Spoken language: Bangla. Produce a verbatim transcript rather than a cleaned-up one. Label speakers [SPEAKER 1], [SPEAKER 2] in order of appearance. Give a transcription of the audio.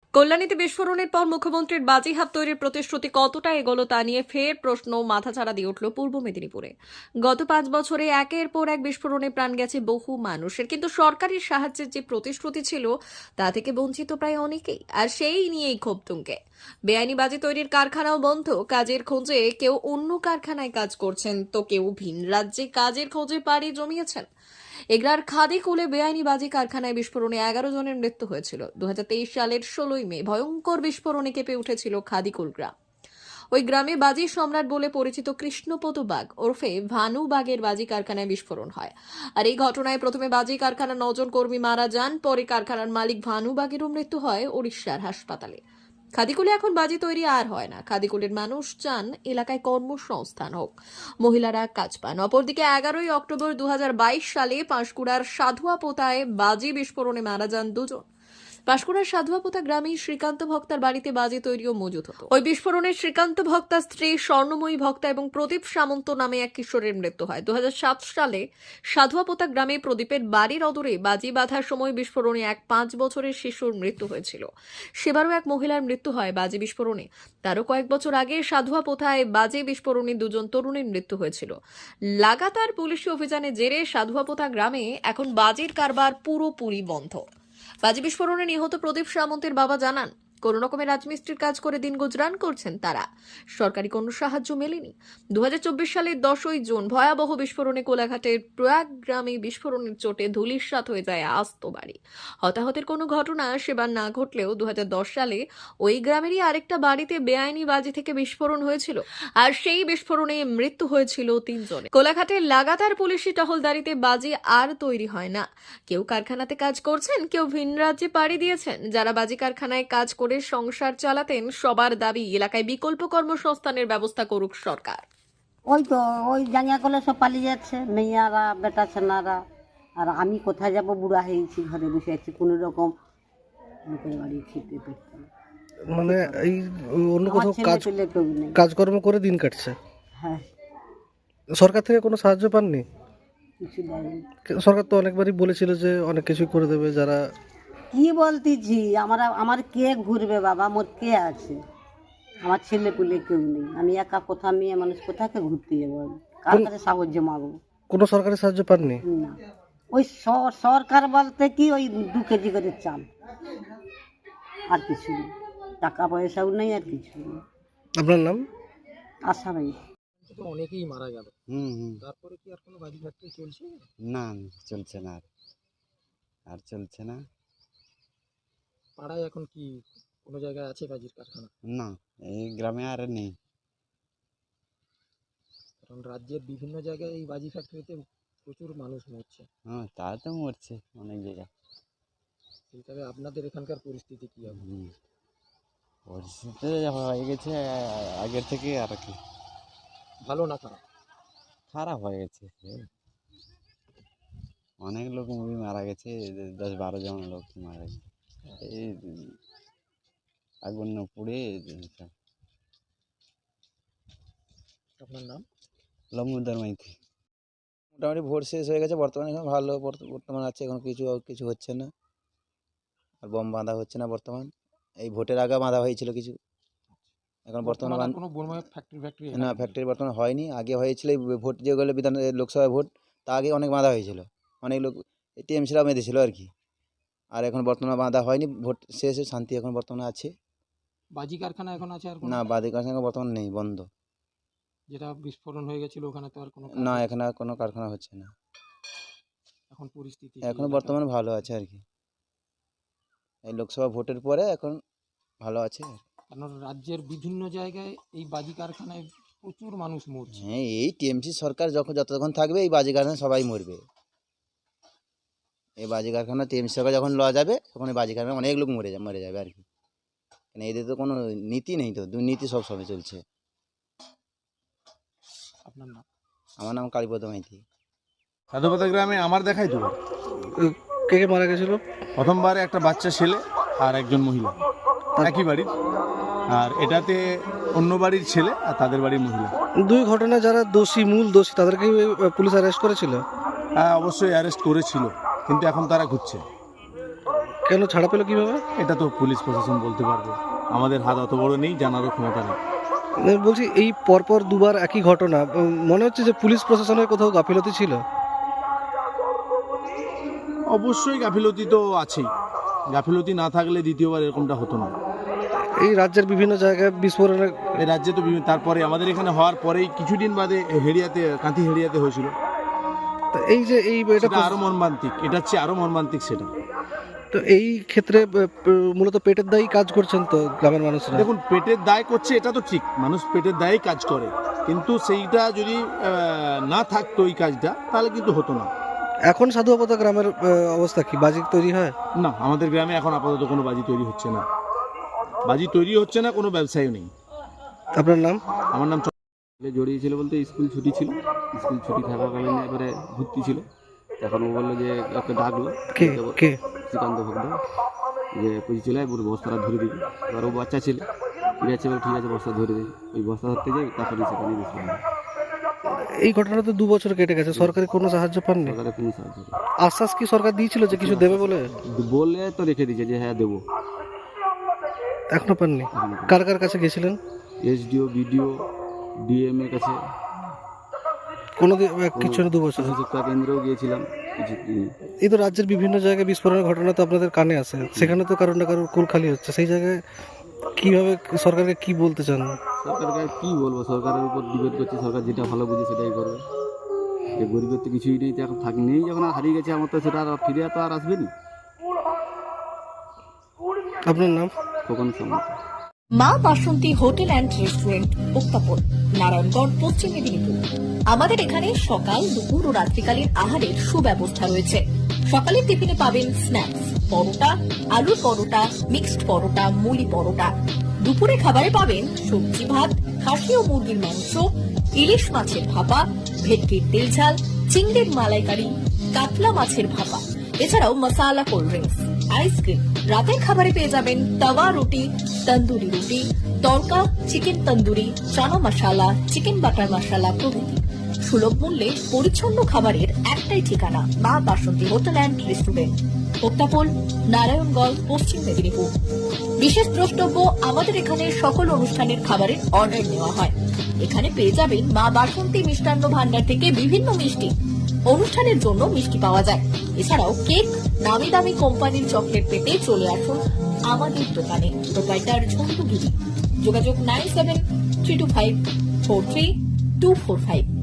[SPEAKER 1] কল্যাণীতে বিস্ফোরণের পর মুখ্যমন্ত্রীর বাজিহাত তৈরির প্রতিশ্রুতি কতটা এগোলো তা নিয়ে ফের প্রশ্ন মাথাচাড়া দিয়ে উঠল পূর্ব মেদিনীপুরে। গত পাঁচ বছরে একের পর এক বিস্ফোরণে প্রাণ গেছে বহু মানুষের, কিন্তু সরকারি সাহায্যের যে প্রতিশ্রুতি ছিল তা থেকে বঞ্চিত প্রায় অনেকেই, আর সেই নিয়েই ক্ষোভ তুঙ্গে। বেআইনি বাজি তৈরির কারখানাও বন্ধ, কাজের খোঁজে কেউ অন্য কারখানায় কাজ করছেন, তো কেউ ভিন রাজ্যে কাজের খোঁজে পাড়ি জমিয়েছেন। এগরার খাদিকুলে বেআইনি বাজি কারখানায় বিস্ফোরণে এগারো জনের মৃত্যু হয়েছিল। দু হাজার তেইশ সালের ষোলোই মে ভয়ঙ্কর বিস্ফোরণে কেঁপে উঠেছিল খাদিকুল গ্রাম। ওই গ্রামে বাজি সম্রাট বলে পরিচিত কৃষ্ণপদ বাগ ওরফে ভানু বাগের বাজি কারখানায় বিস্ফোরণ হয়। আর এই ঘটনায় প্রথমে বাজি কারখানার নজন কর্মী মারা যান, পরে কারখানার মালিক ভানু বাগেরও মৃত্যু হয় ওড়িশার হাসপাতালে। খাদিকুলে এখন বাজি তৈরি আর হয় না। খাদিকুলের মানুষ চান এলাকায় কর্মসংস্থান হোক, মহিলারা কাজ পান। অপরদিকে এগারোই অক্টোবর দু হাজার বাইশ সালে পাঁশকুড়ার সাধুয়াপোতায় বাজি বিস্ফোরণে মারা যান দুজন। পাঁশকুড়ার সাধুয়াপোতা গ্রামে শ্রীকান্ত ভক্তার বাড়িতে বাজি তৈরি ও মজুত হতো। ওই বিস্ফোরণে শ্রীকান্ত ভক্তার স্ত্রী স্বর্ণময়ী ভক্তা এবং প্রদীপ সামন্ত নামে এক কিশোরের মৃত্যু হয়। দু হাজার সাত সালে সাধুয়াপোতা গ্রামে প্রদীপের বাড়ির অদূরে বাজি বাঁধার সময় বিস্ফোরণে এক পাঁচ বছরের শিশুর মৃত্যু হয়েছিল। সেবারও এক মহিলার মৃত্যু হয় বাজি বিস্ফোরণে। তারও কয়েক বছর আগে সাধুয়াপোতায় বাজি বিস্ফোরণে দুজন তরুণীর মৃত্যু হয়েছিল। লাগাতার পুলিশি অভিযানের জেরে সাধুয়াপোতা গ্রামে এখন বাজির কারবার পুরোপুরি বন্ধ। বাজি বিস্ফোরণে নিহত প্রদীপ সামন্তের বাবা জানান, কোন রকমের রাজমিস্ত্রির কাজ করে দিন গুজরান করছেন তারা। সরকারি কোনো সাহায্য মেলেনি। দু হাজার চব্বিশ সালের দশই জুন ভয়াবহ বিস্ফোরণে কোলাঘাটের প্রয়াগ গ্রামে বিস্ফোরণের চোটে ধূলিসাৎ হয়ে যায় আস্ত বাড়ি। হতাহতের কোনো ঘটনা সেবার না ঘটলেও দু হাজার দশ সালে ওই গ্রামেরই আরেকটা বাড়িতে বেআইনি বাজি থেকে বিস্ফোরণ হয়েছিল, আর সেই বিস্ফোরণে মৃত্যু হয়েছিল তিনজনে। কোলাঘাটের লাগাতার পুলিশি টহলদারিতে বাজি আর তৈরি হয় না। কেউ কারখানাতে কাজ করছেন, কেউ ভিন রাজ্যে পাড়ি দিয়েছেন। যারা বাজি কারখানায় কাজ করে সংসার চালাতেন, সবার দাবি এলাকায় বিকল্প কর্মসংস্থানের ব্যবস্থা করুক সরকার।
[SPEAKER 2] ওই তো ওই জাঙ্গিয়া করলে সব পালিয়ে যাচ্ছে, মেয়েরা বেটা ছেনারা। আর আমি কোথায় যাব, বুড়া হয়েছি, ঘরে বসে আছি, কোনো রকম লোকের বাড়ি খেতে পেতে না।
[SPEAKER 3] মানে এই অন্য
[SPEAKER 2] আমার
[SPEAKER 3] কোথাও
[SPEAKER 2] ছেলে
[SPEAKER 3] কাজ
[SPEAKER 2] পেলে কেউ নেই।
[SPEAKER 3] কাজকর্ম করে দিন কাটছে।
[SPEAKER 2] হ্যাঁ,
[SPEAKER 3] সরকার থেকে কোনো সাহায্য পাননি?
[SPEAKER 2] কিছু দেয়নি।
[SPEAKER 3] সরকার তো অনেকবারই বলেছিল যে অনেক কিছুই করে দেবে। যারা
[SPEAKER 2] কি বলতেছি, আমার আমার কে ঘুরবে বাবা, মোর কে আছে? আমার ছেলে পেলে কেউ নেই, আমি একা, কোথা মেয়ে মানুষ কোথাকে ঘুরতে যাবো? আমি কার কাছে সাহায্য মাগবো?
[SPEAKER 3] কোনো সরকারি সাহায্য পাননি?
[SPEAKER 2] না, ওই স- সরকার বলতে কি, ওই দু কেজি করে চাল, আর কিছু নেই। টাকা পয়সাও নেই, আর কিছু নেই।
[SPEAKER 3] আপনার নাম?
[SPEAKER 2] আশা নেই।
[SPEAKER 4] তো অনেকেই মারা গেল,
[SPEAKER 5] হুম হুম
[SPEAKER 4] তারপরে কি আর কোনো বাজি ফ্যাক্টরি চলছে?
[SPEAKER 5] না চলছে না, আর আর চলছে না।
[SPEAKER 4] পাড়ায় এখন কি কোনো জায়গায় আছে বাজির কারখানা?
[SPEAKER 5] না, এই গ্রামে আর নেই।
[SPEAKER 4] কারণ রাজ্যের বিভিন্ন জায়গায় এই বাজি ফ্যাক্টরিতে প্রচুর মানুষ মরছে।
[SPEAKER 5] হ্যাঁ, তা তো মরছে অনেক জায়গায়।
[SPEAKER 4] সেইভাবে আপনাদের এখানকার পরিস্থিতি কি হবে?
[SPEAKER 5] হুম, পরিস্থিতি হয়ে গেছে আ- আগের থেকে আর কি
[SPEAKER 4] ভালো না খারাপ?
[SPEAKER 5] খারাপ হয়ে গেছে। এ, অনেক লোক মুভি মারা গেছে, দশ বারো জন লোক মারা গেছে এই আগুন পুড়ে। সব
[SPEAKER 4] আপনার নাম?
[SPEAKER 5] লম্বুদার মাইতি।
[SPEAKER 6] মোটামুটি ভোট শেষ হয়ে গেছে, বর্তমানে এখন ভালো বর্ত- বর্তমান আছে, এখন কিছু কিছু হচ্ছে না, আর বম বাঁধা হচ্ছে না বর্তমান। এই ভোটের আগে বাঁধা হয়েছিল কিছু, এখন বর্তমানে বাঁধ-
[SPEAKER 4] কোনো বোমা ফ্যাক্টরি ফ্যাক্টরি
[SPEAKER 6] না, ফ্যাক্টরি বর্তমানে হয়নি। আগে হয়েছিল এই ভোট যেগুলো বিধান লোকসভা ভোট, তা আগে অনেক বাঁধা হয়েছিল, অনেক লোক টিএমসিরাও বেঁধেছিল আর কি। আর এখন বর্তমানে বাঁধা হয়নি, ভোট শেষে শান্তি এখন বর্তমানে আছে।
[SPEAKER 4] বাজি কারখানা এখন আছে আর
[SPEAKER 6] না, বাদী কারখানা বর্তমানে নেই, বন্ধ।
[SPEAKER 4] যেটা বিস্ফোরণ হয়ে গেছিল ওখানে তো আর কোনো
[SPEAKER 6] না, এখানে আর কোনো কারখানা হচ্ছে না,
[SPEAKER 4] এখন পরিস্থিতি
[SPEAKER 6] এখন বর্তমানে ভালো আছে আর কি। এই লোকসভা ভোটের পরে এখন ভালো আছে।
[SPEAKER 4] কারণ রাজ্যের বিভিন্ন জায়গায় এই বাজি কারখানায় প্রচুর মানুষ মরছে।
[SPEAKER 6] হ্যাঁ, এই টিএমসি সরকার যখন যতক্ষণ থাকবে এই বাজি কারখানা সবাই মরবে। এই বাজি কারখানা টিএমসি সরকার যখন লওয়া যাবে তখন এই বাজি কারখানা অনেক লোক মরে যাবে মরে যাবে আর কি। মানে এদের তো কোনো নীতি নেই, তো দুর্নীতি সব সময় চলছে।
[SPEAKER 4] আপনার নাম?
[SPEAKER 6] আমার নাম কালীপদ মাইতি।
[SPEAKER 7] সাধুপাতা গ্রামে আমার দেখাই তো
[SPEAKER 3] কে কে মারা গেছিল?
[SPEAKER 7] প্রথমবার একটা বাচ্চা ছেলে আর একজন মহিলা, একই বাড়ির। আর এটাতে অন্য বাড়ির ছেলে আর তাদের বাড়ির মহিলা।
[SPEAKER 3] দুই ঘটনা যারা দোষী, মূল দোষী, তাদেরকে পুলিশ অ্যারেস্ট করেছিল।
[SPEAKER 7] হ্যাঁ, অবশ্যই অ্যারেস্ট করেছিল, কিন্তু এখন তারা ঘুরছে।
[SPEAKER 3] কেন ছাড়া পেলো কিভাবে?
[SPEAKER 7] এটা তো পুলিশ প্রশাসন বলতে পারবে, আমাদের হাত অত বড় নেই, জানারও ক্ষমতা নেই।
[SPEAKER 3] আমি বলছি এই পরপর দুবার একই ঘটনা, উম, মনে হচ্ছে যে পুলিশ প্রশাসনের কোথাও গাফিলতি ছিল।
[SPEAKER 7] অবশ্যই গাফিলতি তো আছেই, গাফিলতি না থাকলে দ্বিতীয়বার এরকমটা হতো না।
[SPEAKER 3] এই রাজ্যের বিভিন্ন জায়গায় বিস্ফোরণের
[SPEAKER 7] এই রাজ্যে তো বিভিন্ন, তারপরে আমাদের এখানে হওয়ার পরেই কিছুদিন বাদে হেরিয়াতে, কাঁথি হেরিয়াতে হয়েছিল।
[SPEAKER 3] তো এই যে এই এটা
[SPEAKER 7] এটা আরো মর্মান্তিক, এটা হচ্ছে আরো মর্মান্তিক সেটা।
[SPEAKER 3] তো এই ক্ষেত্রে আহ, প- মূলত পেটের দায়ী কাজ করছেন তো গ্রামের মানুষরা।
[SPEAKER 7] দেখুন, পেটের দায় করছে এটা তো ঠিক, মানুষ পেটের দায়েই কাজ করে, কিন্তু সেইটা যদি আহ, না থাকতো এই কাজটা, তাহলে কিন্তু হতো না।
[SPEAKER 3] এখন সাধুবাবতা গ্রামের আহ, অবস্থা কি? বাজি তৈরি হয়?
[SPEAKER 7] না, আমাদের গ্রামে এখন আপাতত কোনো বাজি তৈরি হচ্ছে না, বাজি তৈরি হচ্ছে না, কোনো ব্যবসায়ও নেই।
[SPEAKER 3] আপনার নাম?
[SPEAKER 7] আমার নাম চ-
[SPEAKER 8] জড়িয়েছিল বলতে স্কুল ছুটি ছিল, স্কুল ছুটি থাকাকালীন এবারে ভর্তি ছিল। এখন ও বললো যে ওকে ডাকলো,
[SPEAKER 3] কে কে?
[SPEAKER 8] শ্রীকান্ত ভক্ত, যে পুজো চলে পুরো বস্তাটা ধরে দিবি। এবার ও বাচ্চা ছিল, ঠিক আছে বলে ঠিক আছে বস্তা ধরে দিই। ওই বস্তা ধরতে যাই, তারপরে সেখানে গেছিলাম।
[SPEAKER 3] এই ঘটনা তো দু বছর কেটে গেছে, সরকারি কোনো সাহায্য পাননি?
[SPEAKER 8] সরকারের কোনো সাহায্য নেই।
[SPEAKER 3] আশ্বাস কি সরকার দিয়েছিল যে কিছু দেবে বলে?
[SPEAKER 8] বলে তো রেখে দিয়েছে যে হ্যাঁ দেবো।
[SPEAKER 3] এখনো পাননি? কার কার কাছে গেছিলেন?
[SPEAKER 8] এসডিও, বিডিও, ডিএম এর কাছে,
[SPEAKER 3] কোনো দি- কিছু না, দু বছর।
[SPEAKER 8] শিক্ষা কেন্দ্রেও গিয়েছিলাম, কিছু দিইনি।
[SPEAKER 3] এই তো রাজ্যের বিভিন্ন জায়গায় বিস্ফোরণের ঘটনা তো আপনাদের কানে আসে, সেখানে তো কারোর না কারোর কুল খালি হচ্ছে। সেই জায়গায় কিভাবে সরকারকে কি বলতে চান?
[SPEAKER 8] সরকারকে আর কি বলবো, সরকারের উপর ডিপেন্ড করছে, সরকার যেটা ভালো বুঝে সেটাই করবে। যে গরিবের তো কিছুই নেই, তো এখন থাক নেই, যখন আর হারিয়ে গেছে আমার তো সেটা আর ফিরে তো আর আসবে না।
[SPEAKER 3] আপনার নাম?
[SPEAKER 8] কখন সম্মত
[SPEAKER 1] Maa Basanti hotel and restaurant, উত্তাপন, নারায়ণগড়, পশ্চিম মেদিনীপুর। আমাদের এখানে সকাল, দুপুর ও রাত্রিকালীন আহারের সুব্যবস্থা রয়েছে। সকালের টিফিনে পাবেন স্ন্যাক্স, পরোটা, আলুর পরোটা, মিক্সড পরোটা, মুলি পরোটা। দুপুরে খাবারে পাবেন সবজি ভাত, খাসি ও মুরগির মাংস, ইলিশ মাছের ভাপা, ভেটকির তেল ঝাল, চিংড়ির মালাইকারি, কাতলা মাছের ভাপা, এছাড়াও মশালা কোল্ড ড্রিঙ্কস, আইসক্রিম। রাতের খাবারে পেয়ে যাবেন তাওয়া roti, tandoori roti, tadka, chicken tandoori, chana masala, chicken butter masala প্রভৃতি। সুলভ মূল্যে পরিচ্ছন্ন খাবারের একটাই ঠিকানা, Maa Basanti hotel and restaurant, উত্তাপন, নারায়ণগঞ্জ, পশ্চিম মেদিনীপুর। বিশেষ দ্রষ্টব্য, আমাদের এখানে সকল অনুষ্ঠানের খাবারের অর্ডার নেওয়া হয়। এখানে পেয়ে যাবেন মা বাসন্তী মিষ্টান্ন ভান্ডার থেকে বিভিন্ন মিষ্টি। অনুষ্ঠানের জন্য মিষ্টি পাওয়া যায়। এছাড়াও কেক, নামি দামি কোম্পানির চকলেট পেতে চলে আসুন আমাদের দোকানে। প্রোপাইটার ঝন্টু গিরি। যোগাযোগ nine seven three two five four three two four five.